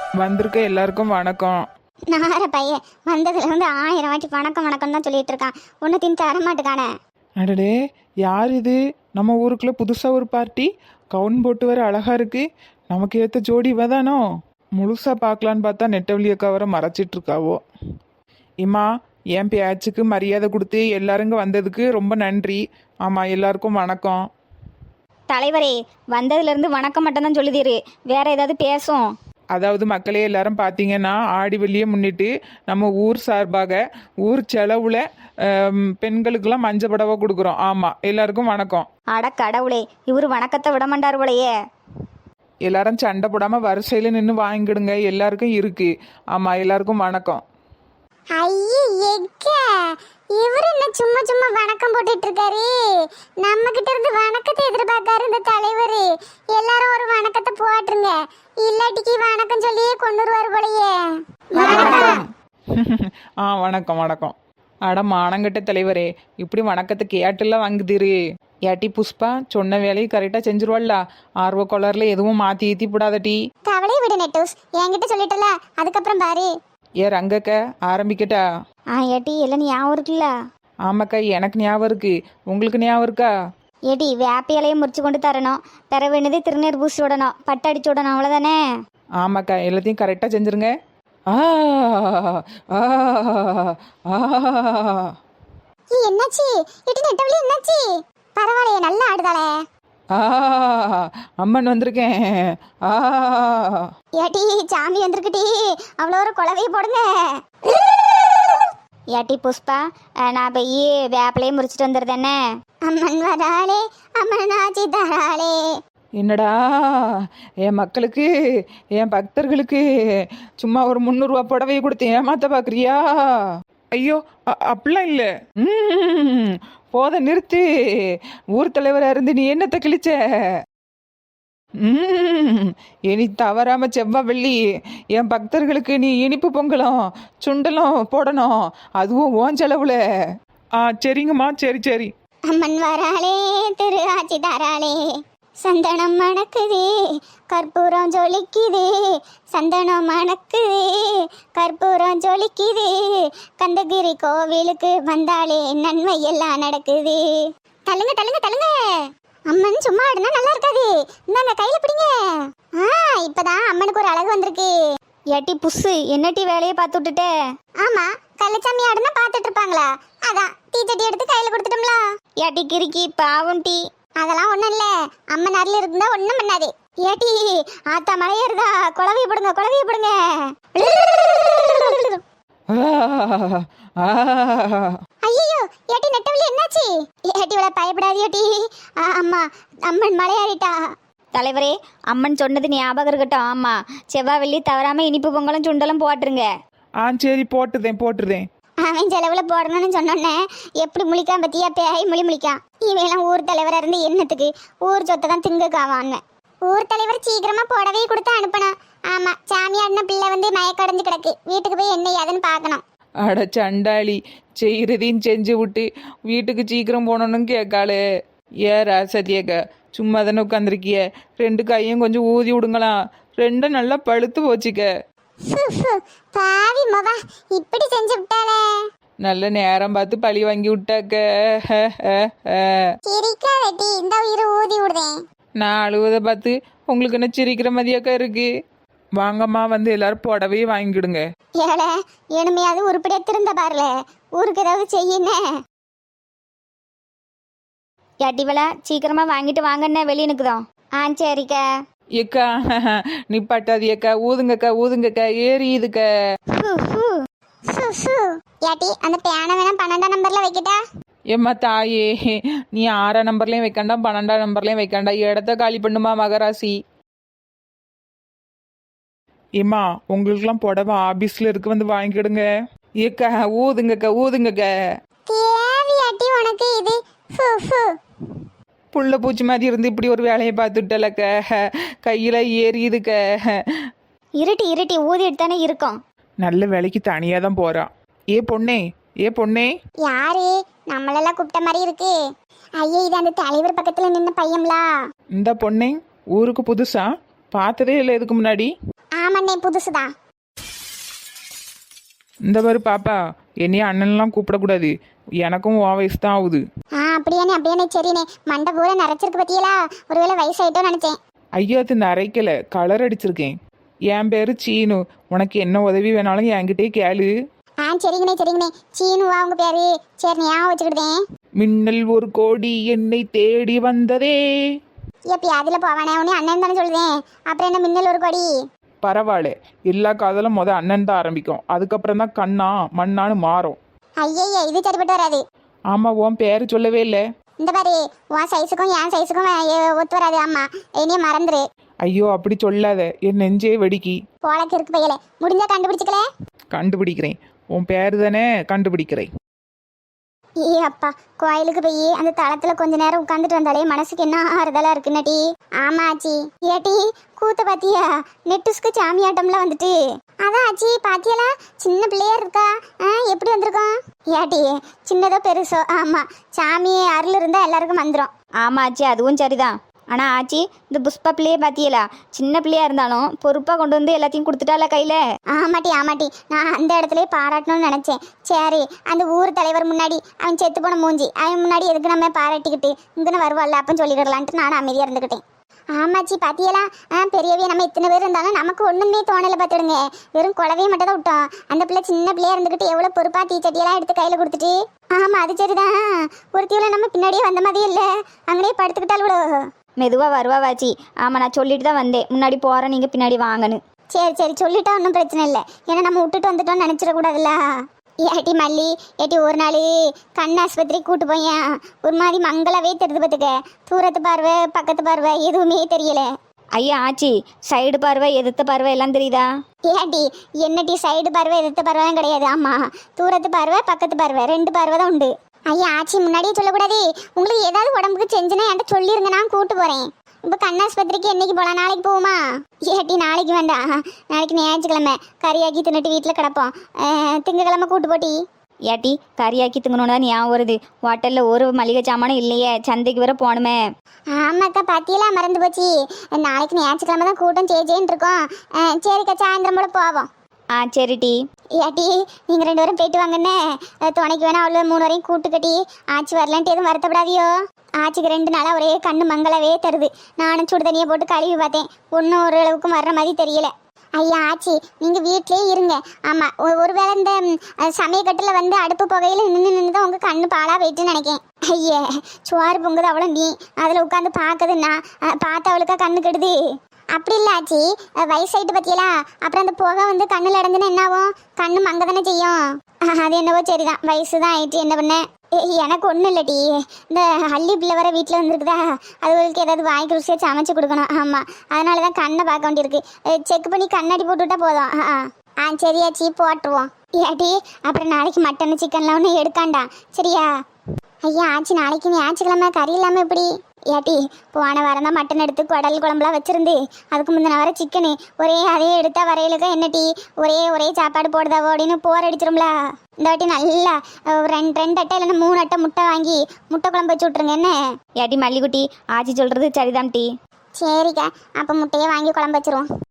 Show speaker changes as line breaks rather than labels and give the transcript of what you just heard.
வந்திருக்க எல்லாருக்கும் வணக்கம்.
நார பையன் வந்ததுல இருந்து 1000 வாட்டி வணக்கம் வணக்கம் தான் சொல்லிட்டு இருக்கான். ஒன்னுத்தையும் தர மாட்டுக்கானே.
அடடே, யார் இது? நம்ம ஊருக்குள்ள புதுசா ஒரு பார்ட்டி கவுன் போட்டு வர அழகா இருக்கு. நமக்கு ஏத்த ஜோடி இவதானோ? முழுசா பார்க்கலான்னு பார்த்தா நெட்டவழி அக்கா வர மறைச்சிட்டு இருக்காவோ. இம்மா, என் பேச்சுக்கு மரியாதை கொடுத்து எல்லாருங்க வந்ததுக்கு ரொம்ப நன்றி. ஆமா, எல்லாருக்கும் வணக்கம்.
தலைவரே, வந்ததுல இருந்து வணக்கம் மட்டும் தான் சொல்லுதீரு, வேற ஏதாவது பேசும்?
அதாவது மக்களே, எல்லாரும் பார்த்தீங்கன்னா ஆடி வெள்ளியை முன்னிட்டு நம்ம ஊர் சார்பாக ஊர் செலவுல பெண்களுக்கெல்லாம் மஞ்சள் புடவை கொடுக்குறோம். ஆமாம், எல்லாருக்கும் வணக்கம்.
அட கடவுளே, இவரு வணக்கத்தை விட மாட்டார் போலையே.
எல்லாரும் சண்டை போடாமல் வரிசையில் நின்று வாங்கிடுங்க, எல்லாருக்கும் இருக்கு. ஆமாம், எல்லாருக்கும் வணக்கம்.
இவரு என்ன சும்மா சும்மா வணக்கம் போட்டுட்டு இருக்காரு? நம்ம கிட்ட இருந்து வணக்கத்தை எதிர்பார்க்காரு இந்த தலைவர். எல்லாரும் ஒரு வணக்கத்தை போட்டுருங்க, இல்லாட்டிக்கு வணக்கம் சொல்லியே கொண்டுருவாரு போலயே.
வணக்கம் வணக்கம். அட மானங்கட்ட தலைவரே, இப்படி வணக்கத்தை கேட்டுலாம் வாங்குதீரு. ஏட்டி புஷ்பா, சொன்ன வேலையை கரெக்டாக செஞ்சிருவாள்ல. ஆர்வ கொளரில் எதுவும் மாற்றி ஏற்றி போடாதட்டி.
கவலையை விடு நெட்டூஸ், என்கிட்ட சொல்லிட்டல, அதுக்கப்புறம் பாரு.
ஏ ரங்கக்க, ஆரம்பிக்கட்டா?
ஏட்டி எல்லாம் ஞாபகம் இருக்குல்ல?
ஆமாக்கா, எனக்கு ஞாபகம் இருக்கு. உங்களுக்கு ஞாபகம் இருக்கா?
ஏடி, வேப்ப இலையை முறிச்சு கொண்டு தரணும், பெற வேண்டியது திருநீர் பூசி விடணும், பட்டு அடிச்சு விடணும், அவ்வளோதானே?
ஆமாக்கா, எல்லாத்தையும் கரெக்டாக செஞ்சுருங்க. ஆ ஆ ஆ.
என்னாச்சு ஏட்டி நெட்டவழி, என்னாச்சு? பரவாயில்லையே, நல்லா ஆடுதாளே.
அம்மன் வந்திருக்கேன்.
ஏட்டி சாமி வந்திருக்குட்டி, அவ்வளோ ஒரு குழவையை போடுங்க. ஏட்டி புஷ்பா, நான் போய் வேப்பிலையும் முறிச்சிட்டு வந்துடுறேனே. அம்மன் வராளே, அம்மன் ஆச்சி தராளே.
என்னடா, என் மக்களுக்கு, என் பக்தர்களுக்கு சும்மா ஒரு 300 ரூபா புடவையை கொடுத்து ஏமாத்த பார்க்குறியா? ஐயோ, அப்படிலாம் இல்லை. போத நிறுத்து. ஊர் தலைவராக இருந்து நீ என்னத்தை கிழிச்ச? இனி தவறாம செவ்வாய் வெள்ளி என் பக்தர்களுக்கு நீ இனிப்பு பொங்கலும் சுண்டலும் போடணும், அதுவும் ஓன் செலவுல. சரிங்கம்மா, சரி சரி.
அம்மன் வராளே, திரு ஆச்சி தாராளே. சந்தனம் மணக்குதே, கற்பூரம் ஜொலிக்குதே. சந்தனம் மணக்குதே, கற்பூரம் ஜொலிக்குதே. கந்தகிரி கோவிலுக்கு வந்தாலே நன்மை எல்லாம் நடக்குது. தள்ளுங்க தள்ளுங்க தள்ளுங்க. அம்மன் சும்மா ஆடுனா நல்லா இருக்காது, இந்தாங்க கையில பிடிங்க. இப்பதான் அம்மனுக்கு ஒரு அழகு வந்திருக்கு. ஏட்டி புஸ்ஸு, என்னட்டி வேலையை பார்த்து விட்டுட்டே? ஆமா, கள்ளச்சாமி ஆடுனா பார்த்துட்டு இருப்பாங்களா, அதான் டீச்சட்டி எடுத்து கையில கொடுத்துட்டோம்ல. ஏட்டி கிறுக்கி, பாவம் டீ. அதெல்லாம் ஒண்ணும் இல்ல, அம்மன் அருள் இருந்தா ஒண்ணும் பண்ணாது. ஏட்டி ஆத்தா மலையேறுதா, குழவைய போடுங்க குழவைய போடுங்க. ஐயோ, ஏட்டி நெட்டவழி என்னாச்சு? ஏட்டி இவளை பயப்படாது ஏட்டி. அம்மா, அம்மன் மலையாறிட்டா. தலைவரே, அம்மன் சொன்னது ஞாபகம் இருக்கட்டும். ஆமா, செவ்வாய் வெள்ளி தவறாம இனிப்பு பொங்கலும் சுண்டலும் போட்டுருங்க.
சரி, போட்டுதேன்.
அவன் செலவுல போடணும்னு சொன்னோன்னே எப்படி முழிக்கான் பத்தியா? பேய் முழிக்கான். இவையெல்லாம் ஊர் தலைவராக இருந்து என்னத்துக்கு? ஊர் சொத்தை தான் திங்குக்காவான்னு. ஊர் தலைவர் சீக்கிரமா புடவையை கொடுத்து அனுப்பணும். ஆமா, சாமியாடின பிள்ளை வந்து மயக்கடைஞ்சு கிடக்கு, வீட்டுக்கு போய் என்ன ஏதுன்னு பார்க்கணும்.
அட சண்டாளி, செய்கிறதையும் செஞ்சு விட்டு வீட்டுக்கு சீக்கிரம் போனோன்னு கேட்காளே. ராசதியக்கா, சும்மா தானே உட்காந்துருக்கிய, 2 கையும் கொஞ்சம் ஊதி விடுங்களாம். 2 நல்லா பழுத்து போச்சுக்க.
பாவி மவா, இப்படி செஞ்சு விட்டாளே.
நல்ல நேரம் பார்த்து பழி வாங்கி விட்டாக்க.
சிரிக்காதடி, இந்த உயிரை ஊதி விடுதேன்.
நான் அழுவதை பார்த்து உங்களுக்கு என்ன சிரிக்கிற மாதிரியாக்கா இருக்கு? வாங்கம்மா, வந்து எல்லாரும் புடவையே வாங்கிடுங்க.
ஏல, எனுமையாவது உருப்படியா திருந்த பாருல, ஊருக்கு ஏதாவது செய்யுன்னு. ஏட்டிவள, சீக்கிரமா வாங்கிட்டு வாங்கண்ணே, வெளியே நிற்குதோம். சரிக்கா.
ஏக்கா, நிப்பாட்டாதியக்கா, ஊதுங்கக்கா, ஏறியுதுக்க.
ஏட்டி, அந்த பேனை வேணா 12ஆம் நம்பர்ல வைக்கிட்டா?
ஏம்மா தாயே, நீ 6ஆம் நம்பர்லயும் வைக்கண்டா, 12ஆம் நம்பர்லயும் வைக்கண்டா, இடத்த காலி பண்ணுமா மகராசி. ஏம்மா, உங்களுக்குலாம் புடவை ஆபீஸ்ல இருக்கு, வந்து வாங்கிடுங்க. ஏக்கா, ஊதுங்கக்க.
தேவையாட்டி உனக்கு இது?
புள்ள பூச்சி மாதிரி இருந்து இப்படி ஒரு வேலையை பார்த்துட்டலக்க, கையில ஏறியுதுக்க.
இருட்டி ஊதி எடுத்தானே இருக்கும்.
நல்ல வேலைக்கு தனியா தான் போறான். ஏ பொண்ணே.
யாரு? நம்மளெல்லாம் கூப்பிட்ட மாதிரி இருக்கு. ஐயே, இது அந்த தலைவர் பக்கத்துல நின்ன பையன்லா.
இந்த பொண்ணே ஊருக்கு புதுசா? பார்த்ததே இல்லை இதுக்கு முன்னாடி.
ஆமா அண்ணே புதுசுதான்.
இந்த மாதிரி பாப்பா என்னைய அண்ணன்லாம் கூப்பிடக்கூடாது, எனக்கும் உன் வயசு தான் ஆகுது.
அப்படியானே சரிண்ணே. மண்டை பூரா நரைச்சிருக்கு பத்தியலா, ஒருவேளை வயசாயிட்டோன்னு நினைச்சேன்.
ஐயோ அது நரைக்கல, கலர் அடிச்சிருக்கேன். என் பேரு சீனு, உனக்கு என்ன உதவி வேணாலும் என்கிட்டே கேளு.
சரிங்கண்ணே. சீனுவா உங்க பேரு? சரி ஞாபகம் வச்சுக்கிட்டேன்.
மின்னல் ஒரு கோடி என்னை தேடி வந்ததே.
எப்பி அதுல போவானே, உடனே அண்ணன் தானே சொல்லுதேன், அப்புறம் என்ன மின்னல் ஒரு கொடி?
பரவாயில்ல, எல்லா காதலும் அண்ணன் தான் ஆரம்பிக்கும், அதுக்கப்புறம் தான் கண்ணா மண்ணான்னு மாறும்.
ஐயே இது சரிப்பட்டு வராது.
ஆமா, உன் பேரு சொல்லவே இல்லை.
இந்த பாரு, உன் சைஸுக்கும் என் சைஸுக்கும் ஒத்து வராது. ஆமா என்னைய மறந்துரு.
ஐயோ அப்படி சொல்லாத, என் நெஞ்சே வெடிக்கி.
போலக்கு இருக்கு பையல, முடிஞ்சா கண்டுபிடிச்சிக்கல.
கண்டுபிடிக்கிறேன், உன் பேரு தானே, கண்டுபிடிக்கிறேன்.
அப்பா, கோயிலுக்கு போய் அந்த தளத்துல கொஞ்ச நேரம் உட்காந்துட்டு வந்தாலே மனசுக்கு என்ன ஆறுதலா இருக்குன்னடி. ஆமா ஆச்சி. ஏட்டி கூத்த பாத்தியா? நெட்டுஸ்க்கு சாமியாட்டம்ல வந்துட்டு. அதான் ஆச்சி பாத்தியலா, சின்ன பிள்ளையா இருக்கா. எப்படி வந்திருக்கோம்? ஏட்டி சின்னதோ பெருசோ, ஆமா சாமி அருள் இருந்தா எல்லாருக்கும் வந்துடும்.
ஆமா ஆச்சி, அதுவும் சரிதான். ஆனால் ஆச்சி, இந்த புஷ்பா பிள்ளையே பார்த்தியலா, சின்ன பிள்ளையா இருந்தாலும் பொறுப்பாக கொண்டு வந்து எல்லாத்தையும் கொடுத்துட்டால கையில்.
ஆமாட்டி, நான் அந்த இடத்துல பாராட்டணும்னு நினச்சேன். சரி, அந்த ஊர் தலைவர் முன்னாடி அவன் செத்து போன மூஞ்சி, அவன் முன்னாடி எதுக்கு நம்ம பாராட்டிக்கிட்டு இங்கன்னு வருவாள்ல அப்பன்னு சொல்லிடலான்ட்டு நான் அமைதியாக இருந்துக்கிட்டேன். ஆமாச்சி பாத்தியலா, பெரியவே நம்ம இத்தனை பேர் இருந்தாலும் நமக்கு ஒன்றுமே தோணலை பார்த்துடுங்க. வெறும் குழவையை மட்டும் தான் விட்டோம். அந்த பிள்ளை சின்ன பிள்ளையா இருந்துக்கிட்டு எவ்வளோ பொறுப்பா தீச்சட்டியெல்லாம் எடுத்து கையில் கொடுத்துட்டு. ஆமாம் அது சரிதான். ஒருத்தியோட நம்ம பின்னாடியே வந்த மாதிரி இல்லை, அங்கேயே படுத்துக்கிட்டாலும்
மெதுவாக வருவாச்சி. ஆமாம், நான் சொல்லிட்டு தான் வந்தேன், முன்னாடி போகிறேன், நீங்கள் பின்னாடி வாங்கன்னு.
சரி சொல்லிட்டா ஒன்றும் பிரச்சனை இல்லை. ஏன்னா நம்ம விட்டுட்டு வந்துட்டோம்னு நினச்சிடக்கூடாதுல்ல. ஏட்டி மல்லி, ஏட்டி ஒரு நாள் கண் ஆஸ்பத்திரி கூட்டு போயேன். ஒரு மாதிரி மங்களாவே தெரிஞ்சு பார்த்துக்க. தூரத்து பார்வை பக்கத்து பார்வை எதுவுமே தெரியல.
ஐயா ஆச்சி, சைடு பார்வை எதிர்த்த பார்வை எல்லாம் தெரியுதா?
ஏட்டி என்னட்டி சைடு பார்வை எதிர்த்த பார்வையும் கிடையாது. ஆமாம், தூரத்து பார்வை பக்கத்து பார்வை 2 பார்வை தான் உண்டு. ஐயா ஆச்சி முன்னாடியே சொல்லக்கூடாது. உங்களுக்கு ஏதாவது உடம்புக்கு செஞ்சுன்னா என்கிட்ட சொல்லிருங்க, நான் கூட்டு போகிறேன். இப்போ கண்ணாஸ்பத்திரிக்கு என்னைக்கு போகலாம்? நாளைக்கு போகுமா? ஏட்டி நாளைக்கு வேண்டாம், நாளைக்கு ஞாயிற்றுக்கிழமை கறியாக்கி தின்னுட்டு வீட்டில் கிடப்போம். திங்கக்கிழமை கூட்டு போட்டி.
ஏட்டி கறியாக்கி திங்கணும்னா ஞாபகம் வருது, ஹோட்டலில் ஒரு மளிகை சாமானும் இல்லையே, சந்தைக்கு வர போகணுமே.
ஆமாக்கா பாத்தியெல்லாம் மறந்து போச்சு. நாளைக்கு ஞாயிற்றுக்கிழமை தான் கூட்டம் சேச்சேன்னு இருக்கோம். சரிக்கா சாயந்தரம் கூட போவோம்.
சரி டி.
ஏட்டி நீங்கள் 2 பேரும் போயிட்டு வாங்கண்ணே. துணைக்கு வேணா அவ்வளோ 3 வரையும் கூட்டு கட்டி ஆச்சி வரலான்ட்டு எதுவும் வருத்தப்படாதியோ. ஆச்சிக்கு 2 நாளாக ஒரே கண்ணு மங்களாவே தருது. நானும் சுடு தண்ணியை போட்டு கழுவி பார்த்தேன், ஒன்றும் ஓரளவுக்கும் வர்ற மாதிரி தெரியல. ஐயா ஆச்சி நீங்கள் வீட்டிலே இருங்க. ஆமாம், ஒருவேளை இந்த சமயக்கட்டில் வந்து அடுப்பு புகையில் நின்று தான் உங்கள் கண்ணு பாலாக போயிட்டுன்னு நினைக்கேன். ஐயே சோறு பொங்குது அவ்வளோ, நீ அதில் உட்காந்து பார்க்குதுன்னா பார்த்து அவளுக்கா கண்ணு கெடுது. அப்படி இல்லை ஆச்சி, வயசாயிட்டு பற்றியலாம். அப்புறம் அந்த புகை வந்து கண்ணில் அடைஞ்சுன்னா என்ன ஆகும்? கண்ணு மங்க தானே செய்யும். அது என்னவோ சரிதான், வயசு தான் ஆயிட்டு என்ன பண்ண. எனக்கு ஒன்றும் இல்லட்டி, இந்த அள்ளி பிள்ளை வர வீட்டில் வந்துருக்குதா, அதுகளுக்கு ஏதாவது வாய்க்கு ருசியாக சமைச்சு கொடுக்கணும். ஆமாம், அதனால தான் கண்ணை பார்க்க வேண்டியிருக்கு. செக் பண்ணி கண்ணாடி போட்டுவிட்டா போதும். சரியாச்சி போட்டுருவோம். ஏட்டி அப்புறம் நாளைக்கு மட்டன் சிக்கன்லாம் ஒன்றும் எடுக்காண்டா சரியா? ஐயா ஆச்சி நாளைக்கு ஞாயிற்றுக்கிழமை கறி இல்லாமல் எப்படி? ஏட்டி போன வாரம் தான் மட்டன் எடுத்து குடல் குழம்புலாம் வச்சிருந்து, அதுக்கு முந்தின வர சிக்கனு ஒரே அதே எடுத்தா வரையிலுக்கா என்னட்டி ஒரே சாப்பாடு போடுதாவோ அப்படின்னு போர் அடிச்சிரும்ல. இந்த வாட்டி நல்லா 2 அட்டை இல்லைன்னா 3 அட்டை முட்டை வாங்கி முட்டை குழம்பு வச்சு விட்ருங்க என்ன?
ஏட்டி மல்லிகுட்டி, ஆச்சி சொல்கிறது சரிதான் டி.
சரிக்கா, அப்போ முட்டையே வாங்கி குழம்பு வச்சிருவோம்.